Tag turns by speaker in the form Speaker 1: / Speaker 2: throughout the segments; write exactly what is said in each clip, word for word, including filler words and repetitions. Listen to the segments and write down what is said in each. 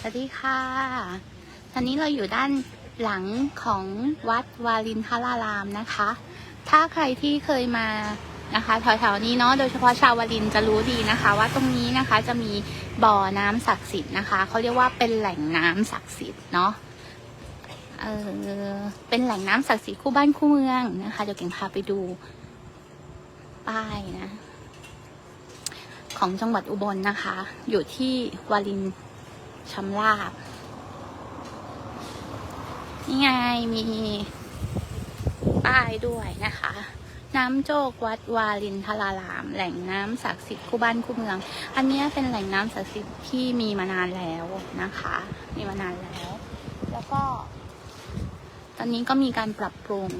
Speaker 1: สวัสดีค่ะตอนนี้เราอยู่ด้านหลังของวัดวารินทรารามนะคะ ถ้าใครที่เคยมานะคะแถวๆนี้เนาะ โดยเฉพาะชาววารินจะรู้ดีนะคะว่าตรงนี้นะคะจะมีบ่อน้ำศักดิ์สิทธิ์นะคะเขาเรียกว่าเป็นแหล่งน้ำศักดิ์สิทธิ์เนาะ เออเป็นแหล่งน้ำศักดิ์สิทธิ์คู่บ้านคู่เมืองนะคะเดี๋ยวเก่งพาไปดูป้ายนะของจังหวัดอุบลนะคะ อยู่ที่วารินชำราบนี่ไงมีป้ายด้วยนะคะ น้ำโจกวัดวารินทรารามแหล่งน้ำศักดิ์สิทธิ์คู่บ้านคู่เมือง อันนี้เป็นแหล่งน้ำศักดิ์สิทธิ์ที่มีมานานแล้วนะคะมีมานานแล้ว แล้วก็ตอนนี้ก็มีการปรับปรุง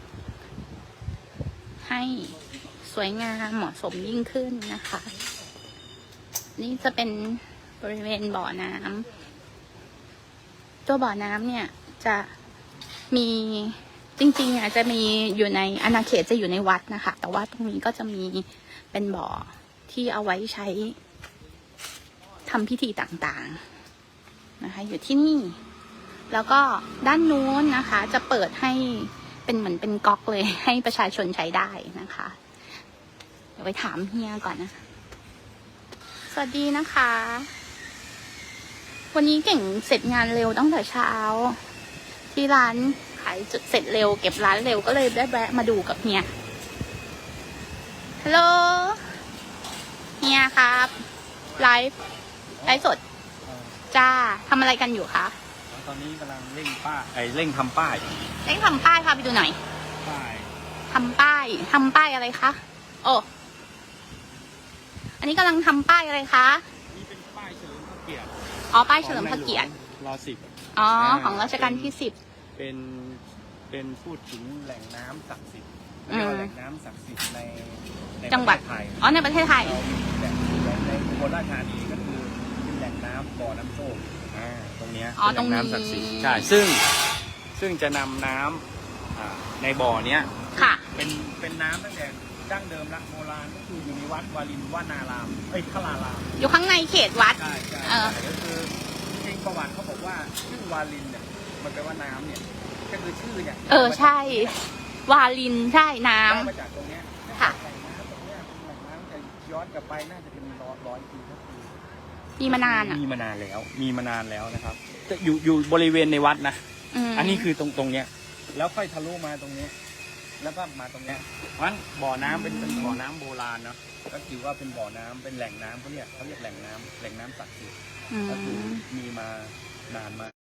Speaker 1: ให้สวยงามเหมาะสมยิ่งขึ้นนะคะนี่จะเป็นบริเวณบ่อน้ำตัวบ่อน้ำเนี่ยจะมีจริงๆอ่ะจะมีอยู่ในอาณาเขตจะอยู่ในวัดนะคะแต่ว่าตรงนี้ก็จะมีเป็นบ่อที่เอาไว้ใช้ทำพิธีต่างๆนะคะอยู่ที่นี่แล้วก็ด้านนู้นนะคะจะเปิดให้เป็นเหมือนเป็นก๊อกเลยให้ประชาชนใช้ได้นะคะเดี๋ยวไปถามเฮียก่อนนะสวัสดีนะคะวันนี้เก่งเสร็จงานเร็วตั้งแต่เช้าที่ร้านขายจุดเสร็จเร็วเก็บร้านเร็วก็เลยได้แวะมาดูกับเฮียฮัลโหลเฮียครับไลฟ์ไลฟ์สดจ้าทำอะไรกันอยู่คะ
Speaker 2: ตอนนี้กำลังเร่งป้ายไอ้เร่งทำป้าย
Speaker 1: เร่งทำป้ายพาไปดูหน่อย
Speaker 2: ป้าย
Speaker 1: ทำป้ายทำป้ายอะไรคะโอ้อันนี้กำลังทำป้ายอะไรคะ
Speaker 2: นี่เป็นป้ายเฉลิมพระเกียรติ
Speaker 1: อ๋อป้ายเฉลิมพระเกียรติ
Speaker 2: รอสิบ
Speaker 1: อ๋อของรัชกาลที่สิบ
Speaker 2: เป็นเป็นพูดถึงแหล่งน้ำศักดิ์สิทธิ์เรียกว่าแหล่งน้ำศักดิ์สิทธิ์ในใน
Speaker 1: จังหวัด
Speaker 2: ไทย
Speaker 1: อ๋อในประเทศไทย
Speaker 2: เรามีแหล่งในอุบลราชธานีก็คือเป็นแหล่งน้ำบ่อน้ำโชคอ่าตรงเนี้ยเป็นแหล่งน้ำศักดิ์สิทธิ์ใช่ซึ่งซึ่งจะนำน้ำในบ่อเนี้ย
Speaker 1: ค่ะ
Speaker 2: เป็นเป็นน้ำตั้งแต่ดั้งเดิมละโบราณก็คืออยู่ในวัดวารินวนารามเอ้ยทราราม
Speaker 1: อยู่ข้างในเขตวัด
Speaker 2: ใช่ใช่ก็คือจริงประวัติเขาบอกว่าชื่อวารินเนี่ยมันแปลว่าน้ำเนี่ยก็คือชื่อเนี่ย
Speaker 1: เออใช่วารินใช่น้ำ
Speaker 2: มาจากตรงเนี้ย
Speaker 1: ค่ะ
Speaker 2: แหล่งน้ำตรงเนี้ยแหล่งน้ำจะย้อนกลับไปน่าจะเป็นร้อยร้อยปีก็คือ
Speaker 1: มีมานานอ่ะ
Speaker 2: มีมานานแล้วมีมานานแล้วนะครับจะอยู่อยู่บริเวณในวัดนะอันนี้คือตรงตรงเนี้ยแล้วค่อยทะลุมาตรงนี้แล้วก็มาตรงเนี้ยเพราะฉะนั้นบ่อน้ำเป็นเป็นบ่อน้ำโบราณเนาะก็ถือว่าเป็นบ่อน้ำเป็นแหล่งน้ำเขาเรียกเขาเรียกแหล่งน้ำแหล่งน้ำศักดิ์สิทธิ์ก็คือมีมา